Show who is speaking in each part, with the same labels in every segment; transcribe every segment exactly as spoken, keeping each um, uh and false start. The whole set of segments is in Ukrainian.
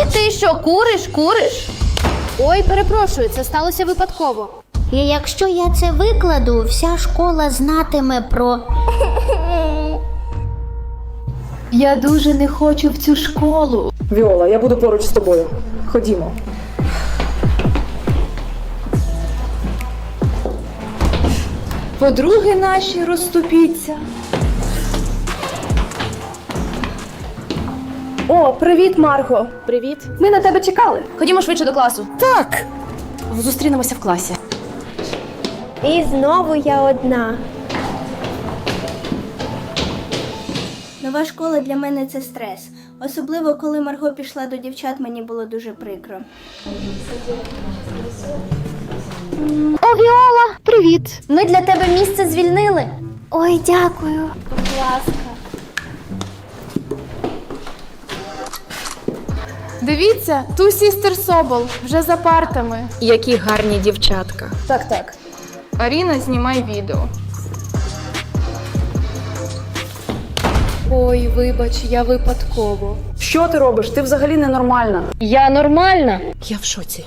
Speaker 1: Ти що, куриш, куриш?
Speaker 2: Ой, перепрошую, це сталося випадково.
Speaker 3: І якщо я це викладу, вся школа знатиме про...
Speaker 1: Я дуже не хочу в цю школу.
Speaker 4: Віола, я буду поруч з тобою. Ходімо.
Speaker 1: Подруги наші розступіться.
Speaker 5: О, привіт, Марго.
Speaker 2: Привіт.
Speaker 5: Ми на тебе чекали.
Speaker 2: Ходімо швидше до класу.
Speaker 5: Так.
Speaker 2: Зустрінемося в класі.
Speaker 6: І знову я одна. Нова школа для мене це стрес. Особливо, коли Марго пішла до дівчат, мені було дуже прикро.
Speaker 3: О, Віола, привіт.
Speaker 6: Ми для тебе місце звільнили.
Speaker 3: Ой, дякую.
Speaker 6: Будь ласка.
Speaker 7: Дивіться, ту сістер Собол, вже за партами.
Speaker 8: Які гарні дівчатка.
Speaker 5: Так, так.
Speaker 7: Аріна, знімай відео.
Speaker 2: Ой, вибач, я випадково.
Speaker 4: Що ти робиш? Ти взагалі ненормальна.
Speaker 8: Я нормальна? Я в шоці.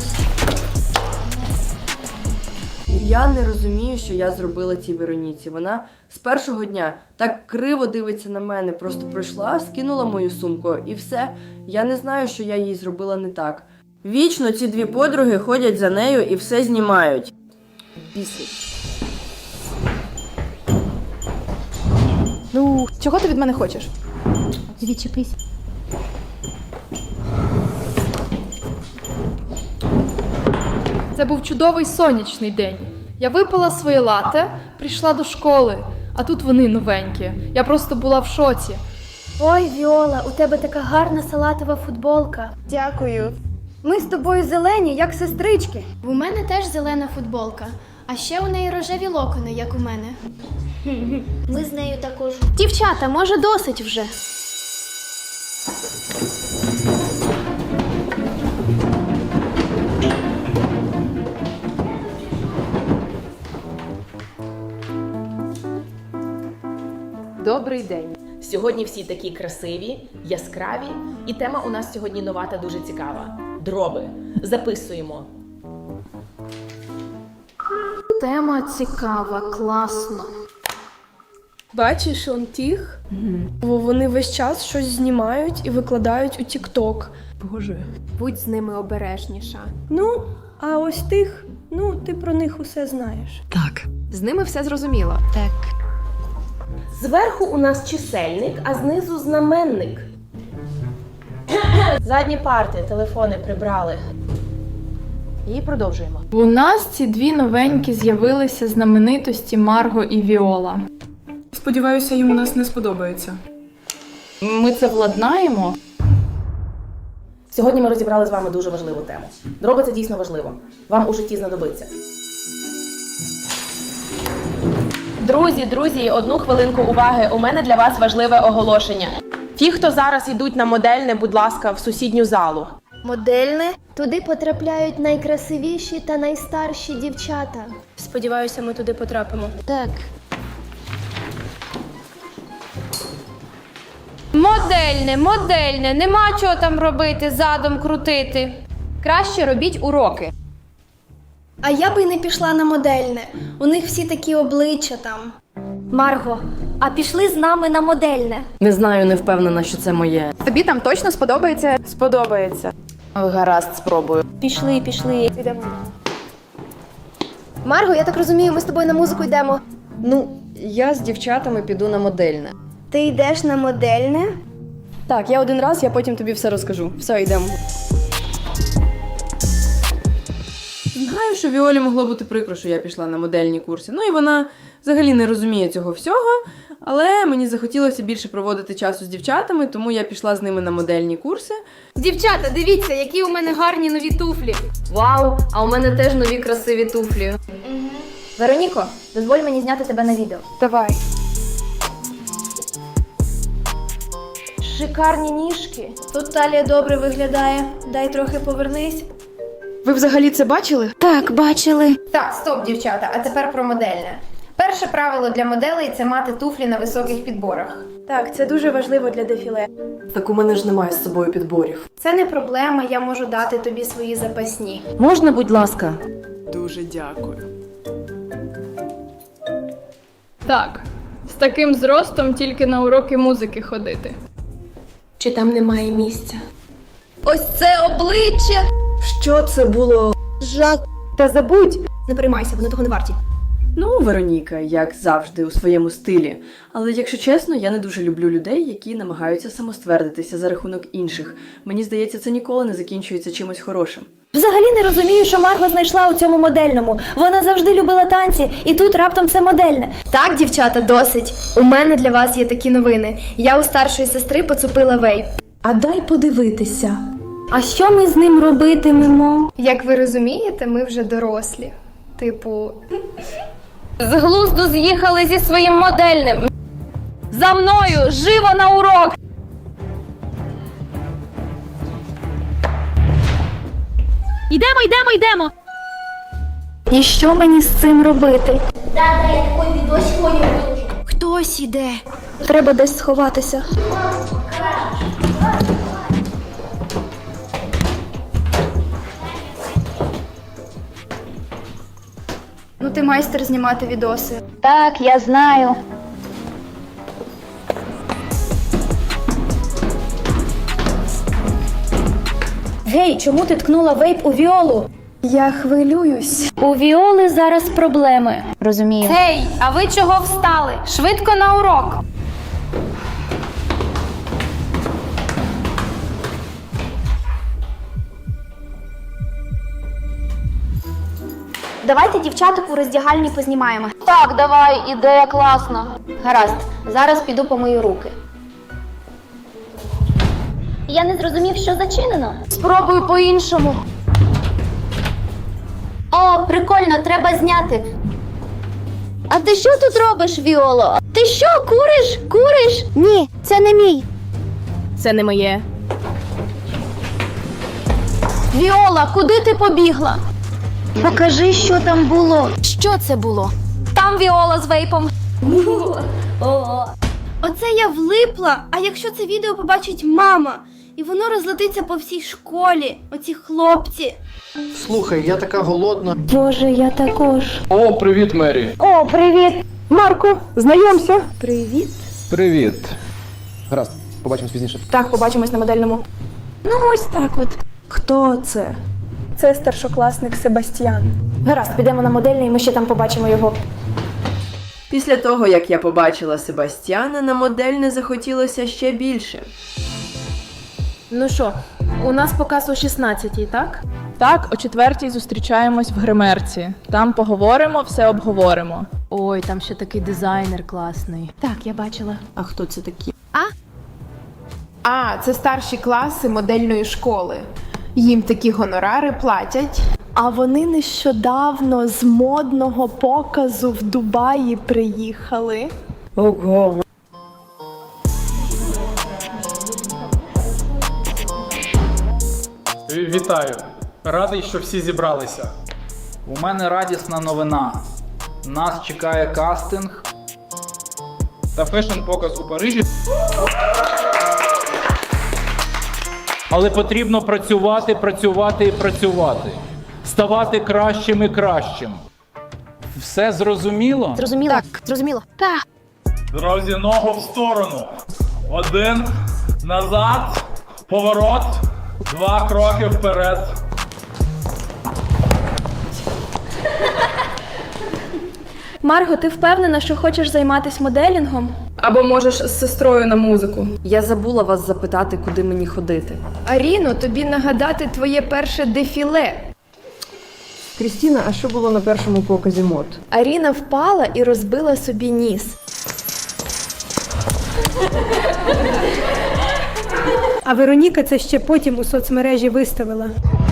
Speaker 9: Я не розумію, що я зробила цій Вероніці. Вона з першого дня так криво дивиться на мене. Просто прийшла, скинула мою сумку і все. Я не знаю, що я їй зробила не так. Вічно ці дві подруги ходять за нею і все знімають. Бісить.
Speaker 7: Ну, чого ти від мене хочеш?
Speaker 3: Відчепись.
Speaker 7: Це був чудовий сонячний день. Я випила своє лате, прийшла до школи, а тут вони новенькі. Я просто була в шоці.
Speaker 6: Ой, Віола, у тебе така гарна салатова футболка.
Speaker 5: Дякую.
Speaker 6: Ми з тобою зелені, як сестрички.
Speaker 2: У мене теж зелена футболка, а ще у неї рожеві локони, як у мене.
Speaker 3: Ми з нею також.
Speaker 2: Дівчата, може досить вже?
Speaker 8: Добрий день. Сьогодні всі такі красиві, яскраві, і тема у нас сьогодні нова та дуже цікава. Дроби. Записуємо.
Speaker 7: Тема цікава, класно.
Speaker 5: Бачиш, он тих? Угу. Вони весь час щось знімають і викладають у TikTok.
Speaker 4: Боже.
Speaker 2: Будь з ними обережніша.
Speaker 5: Ну, а ось тих, ну, ти про них усе знаєш.
Speaker 4: Так.
Speaker 2: З ними все зрозуміло.
Speaker 3: Так.
Speaker 8: Зверху у нас чисельник, а знизу знаменник. Задні парти, телефони прибрали. І продовжуємо.
Speaker 7: У нас ці дві новенькі з'явилися знаменитості Марго і Віола.
Speaker 4: Сподіваюся, їм у нас не сподобається.
Speaker 7: Ми це владнаємо.
Speaker 8: Сьогодні ми розібрали з вами дуже важливу тему. Дроби – це дійсно важливо. Вам у житті знадобиться. Друзі, друзі, одну хвилинку уваги. У мене для вас важливе оголошення. Ті, хто зараз йдуть на модельне, будь ласка, в сусідню залу.
Speaker 6: Модельне? Туди потрапляють найкрасивіші та найстарші дівчата. Сподіваюся, ми туди потрапимо.
Speaker 3: Так.
Speaker 1: Модельне, модельне, нема чого там робити, задом крутити. Краще робіть уроки.
Speaker 6: А я би й не пішла на модельне. У них всі такі обличчя там. Марго, а пішли з нами на модельне?
Speaker 9: Не знаю, не впевнена, що це моє.
Speaker 7: Тобі там точно сподобається?
Speaker 9: Сподобається. Гаразд, спробую.
Speaker 6: Пішли, пішли. Йдемо. Марго, я так розумію, ми з тобою на музику йдемо.
Speaker 9: Ну, я з дівчатами піду на модельне.
Speaker 6: Ти йдеш на модельне?
Speaker 9: Так, я один раз, я потім тобі все розкажу. Все, йдемо. Знаю, що Віолі могло бути прикро, що я пішла на модельні курси. Ну і вона взагалі не розуміє цього всього, але мені захотілося більше проводити часу з дівчатами, тому я пішла з ними на модельні курси.
Speaker 1: Дівчата, дивіться, які у мене гарні нові туфлі.
Speaker 8: Вау, а у мене теж нові красиві туфлі.
Speaker 6: Вероніко, дозволь мені зняти тебе на відео.
Speaker 7: Давай.
Speaker 6: Шикарні ніжки. Тут талія добре виглядає. Дай трохи повернись.
Speaker 4: Ви взагалі це бачили?
Speaker 3: Так, бачили.
Speaker 1: Так, стоп, дівчата, а тепер про модельне. Перше правило для моделей – це мати туфлі на високих підборах.
Speaker 5: Так, це дуже важливо для дефіле.
Speaker 9: Так у мене ж немає з собою підборів.
Speaker 2: Це не проблема, я можу дати тобі свої запасні.
Speaker 8: Можна, будь ласка?
Speaker 4: Дуже дякую.
Speaker 7: Так, з таким зростом тільки на уроки музики ходити.
Speaker 5: Чи там немає місця?
Speaker 6: Ось це обличчя!
Speaker 9: Що це було?
Speaker 6: Жах.
Speaker 5: Та забудь!
Speaker 6: Не переймайся, вони того не варті.
Speaker 9: Ну, Вероніка, як завжди, у своєму стилі. Але якщо чесно, я не дуже люблю людей, які намагаються самоствердитися за рахунок інших. Мені здається, це ніколи не закінчується чимось хорошим.
Speaker 6: Взагалі не розумію, що Марго знайшла у цьому модельному. Вона завжди любила танці, і тут раптом це модельне.
Speaker 2: Так, дівчата, досить. У мене для вас є такі новини. Я у старшої сестри поцупила вейп.
Speaker 5: А дай подивитися.
Speaker 6: А що ми з ним робитимемо?
Speaker 2: Як ви розумієте, ми вже дорослі. Типу,
Speaker 1: З глузду з'їхали зі своїм модельним. За мною! Живо на урок!
Speaker 3: Йдемо, йдемо, йдемо.
Speaker 6: І що мені з цим робити?
Speaker 3: Да-да, я такой відос сьогодні виложу.
Speaker 6: Хтось іде. Треба десь сховатися.
Speaker 2: ну ти майстер знімати відоси.
Speaker 3: Так, я знаю.
Speaker 6: Гей, чому ти ткнула вейп у Віолу?
Speaker 2: Я хвилююсь.
Speaker 3: У Віоли зараз проблеми. Розумію.
Speaker 1: Гей, а ви чого встали? Швидко на урок!
Speaker 6: Давайте дівчаток у роздягальні познімаємо.
Speaker 3: Так, давай, ідея класна. Гаразд, зараз піду помию руки. Я не зрозумів, що зачинено.
Speaker 1: Спробуй по-іншому.
Speaker 3: О, прикольно, треба зняти. А ти що тут робиш, Віоло? Ти що, куриш? Куриш? Ні, це не мій.
Speaker 5: Це не моє.
Speaker 1: Віола, куди ти побігла?
Speaker 3: Покажи, що там було.
Speaker 1: Що це було? Там Віола з вейпом.
Speaker 2: Оце я влипла, а якщо це відео побачить мама, і воно розлетиться по всій школі, оці хлопці.
Speaker 10: Слухай, я така голодна.
Speaker 6: Боже, я також.
Speaker 10: О, привіт, Мері.
Speaker 6: О, привіт!
Speaker 5: Марко, знайомся.
Speaker 2: Привіт.
Speaker 10: Привіт. Гаразд, побачимось пізніше.
Speaker 5: Так, побачимось на модельному.
Speaker 6: Ну ось так от.
Speaker 5: Хто це? Це старшокласник Себастьян.
Speaker 6: Гаразд, підемо на модельний, і ми ще там побачимо його.
Speaker 9: Після того, як я побачила Себастьяна, на модельне захотілося ще більше.
Speaker 7: Ну що, у нас показ о шістнадцятій, так?
Speaker 11: Так, о четвертій зустрічаємось в гримерці. Там поговоримо, все обговоримо.
Speaker 7: Ой, там ще такий дизайнер класний.
Speaker 2: Так, я бачила.
Speaker 9: А хто це такі?
Speaker 12: А, це старші класи модельної школи. Їм такі гонорари платять.
Speaker 5: А вони нещодавно з модного показу в Дубаї приїхали.
Speaker 9: Ого.
Speaker 13: Вітаю! Радий, що всі зібралися.
Speaker 14: У мене радісна новина. Нас чекає кастинг
Speaker 13: Та фешн-показ у Парижі.
Speaker 14: Але потрібно працювати, працювати і працювати. Ставати кращим і кращим. Все зрозуміло?
Speaker 3: Зрозуміло? Так, зрозуміло. Так.
Speaker 13: Друзі, ногу в сторону. Один, назад, поворот, два кроки вперед.
Speaker 5: Марго, ти впевнена, що хочеш займатися моделінгом?
Speaker 4: Або можеш з сестрою на музику.
Speaker 9: Я забула вас запитати, куди мені ходити.
Speaker 2: Аріно, тобі нагадати твоє перше дефіле.
Speaker 9: Крістіна, а що було на першому показі мод?
Speaker 5: Аріна впала і розбила собі ніс.
Speaker 15: А Вероніка це ще потім у соцмережі виставила.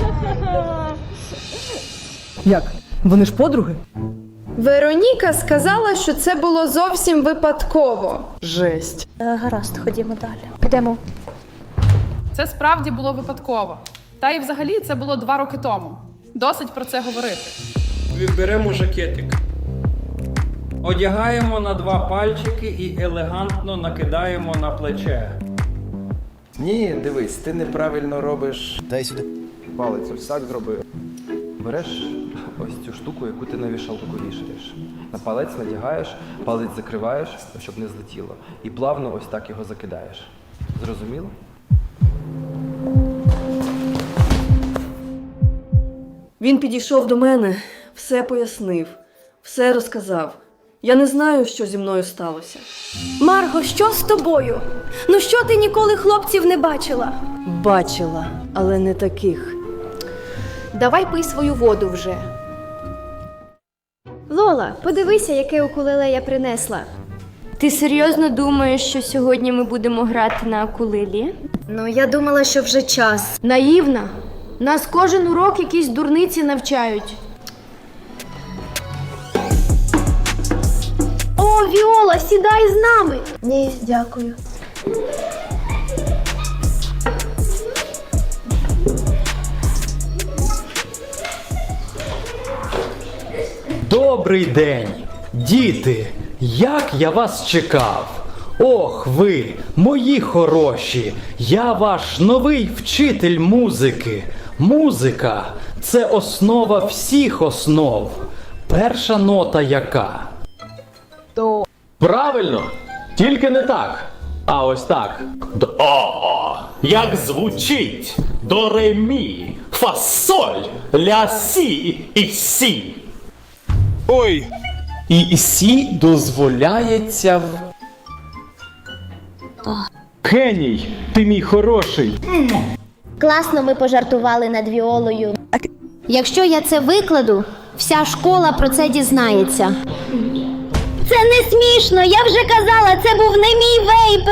Speaker 9: Як? Вони ж подруги?
Speaker 2: Вероніка сказала, що це було зовсім випадково.
Speaker 9: Жесть.
Speaker 6: Гаразд, ходімо далі. Підемо.
Speaker 7: Це справді було випадково. Та і взагалі це було два роки тому. Досить про це говорити.
Speaker 13: Відберемо жакетик.
Speaker 14: Одягаємо на два пальчики і елегантно накидаємо на плече.
Speaker 16: Ні, дивись, ти неправильно робиш. Дай сюди. Палець ось так зроби. Береш ось цю штуку, яку ти на вішалку вішаєш. На палець надягаєш, палець закриваєш, щоб не злетіло. І плавно ось так його закидаєш. Зрозуміло?
Speaker 9: Він підійшов до мене, все пояснив, все розказав. Я не знаю, що зі мною сталося.
Speaker 2: Марго, що з тобою? Ну що ти ніколи хлопців не бачила?
Speaker 9: Бачила, але не таких.
Speaker 1: Давай пий свою воду вже.
Speaker 6: Лола, подивися, яке укулеле я принесла.
Speaker 2: Ти серйозно думаєш, що сьогодні ми будемо грати на укулелі?
Speaker 6: Ну, я думала, що вже час.
Speaker 1: Наївна. Нас кожен урок якісь дурниці навчають.
Speaker 2: О, Віола, сідай з нами!
Speaker 6: Ні, дякую.
Speaker 17: Добрий день, діти! Як я вас чекав! Ох ви, мої хороші! Я ваш новий вчитель музики. Музика – це основа всіх основ. Перша нота яка?
Speaker 14: То.
Speaker 17: Правильно! Тільки не так. А ось так. До. Як звучить? До ре мі, фа соль, ля сі і сі.
Speaker 13: Ой!
Speaker 17: І сі дозволяється в... Геній, ти мій хороший.
Speaker 3: Класно ми пожартували над Віолою. Якщо я це викладу, вся школа про це дізнається. Це не смішно, я вже казала, це був не мій вейп.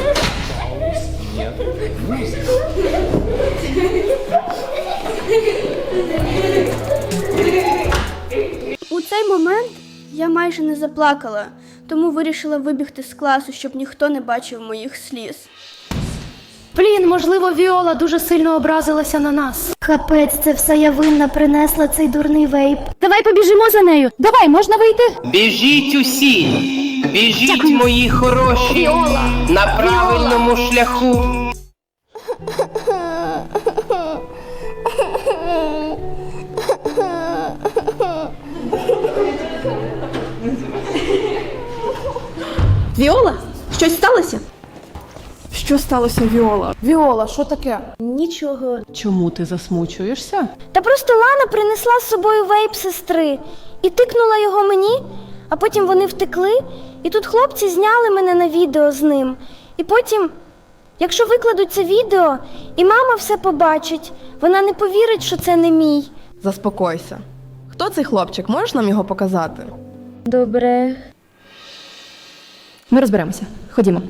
Speaker 2: У цей момент я майже не заплакала, тому вирішила вибігти з класу, щоб ніхто не бачив моїх сліз.
Speaker 6: Блін, можливо, Віола дуже сильно образилася на нас.
Speaker 3: Капець, це все я винна принесла цей дурний вейп.
Speaker 6: Давай побіжимо за нею. Давай, можна вийти?
Speaker 18: Біжіть усі! Біжіть, Дякую. Мої хороші!
Speaker 3: Віола!
Speaker 18: На правильному Віола. Шляху!
Speaker 4: Віола? Щось сталося? Що сталося, Віола?
Speaker 7: Віола, що таке?
Speaker 2: Нічого.
Speaker 11: Чому ти засмучуєшся?
Speaker 2: Та просто Лана принесла з собою вейп сестри і тикнула його мені, а потім вони втекли, і тут хлопці зняли мене на відео з ним. І потім, якщо викладуть це відео, і мама все побачить, вона не повірить, що це не мій.
Speaker 4: Заспокойся. Хто цей хлопчик? Можеш нам його показати?
Speaker 2: Добре.
Speaker 7: Ми розберемося. Ходімо.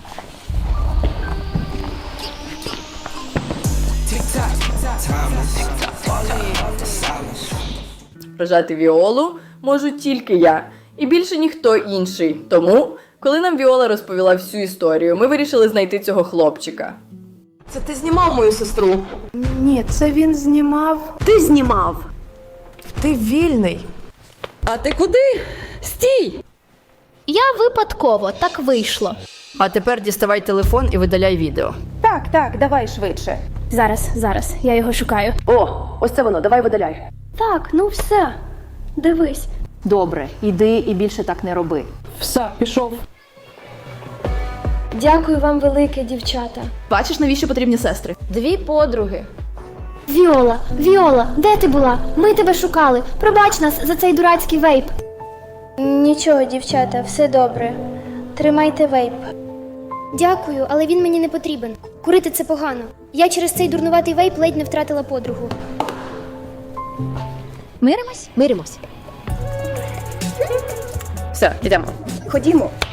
Speaker 9: Вражати Віолу можу тільки я, і більше ніхто інший. Тому, коли нам Віола розповіла всю історію, ми вирішили знайти цього хлопчика. Це ти знімав мою сестру?
Speaker 5: Ні, це він знімав.
Speaker 9: Ти знімав!
Speaker 5: Ти вільний.
Speaker 9: А ти куди? Стій!
Speaker 3: Я випадково, так вийшло.
Speaker 9: А тепер діставай телефон і видаляй відео.
Speaker 1: Так, так, давай швидше.
Speaker 2: Зараз, зараз, я його шукаю.
Speaker 9: О, ось це воно, давай видаляй.
Speaker 2: Так, ну все. Дивись.
Speaker 1: Добре, іди і більше так не роби.
Speaker 17: Все, пішов.
Speaker 2: Дякую вам велике, дівчата.
Speaker 11: Бачиш, навіщо потрібні сестри?
Speaker 1: Дві подруги.
Speaker 2: Віола, Віола, де ти була? Ми тебе шукали. Пробач нас за цей дурацький вейп. Нічого, дівчата, все добре. Тримайте вейп. Дякую, але він мені не потрібен. Курити це погано. Я через цей дурнуватий вейп ледь не втратила подругу.
Speaker 3: Миримось? Миримось.
Speaker 9: Все, йдемо.
Speaker 2: Ходімо.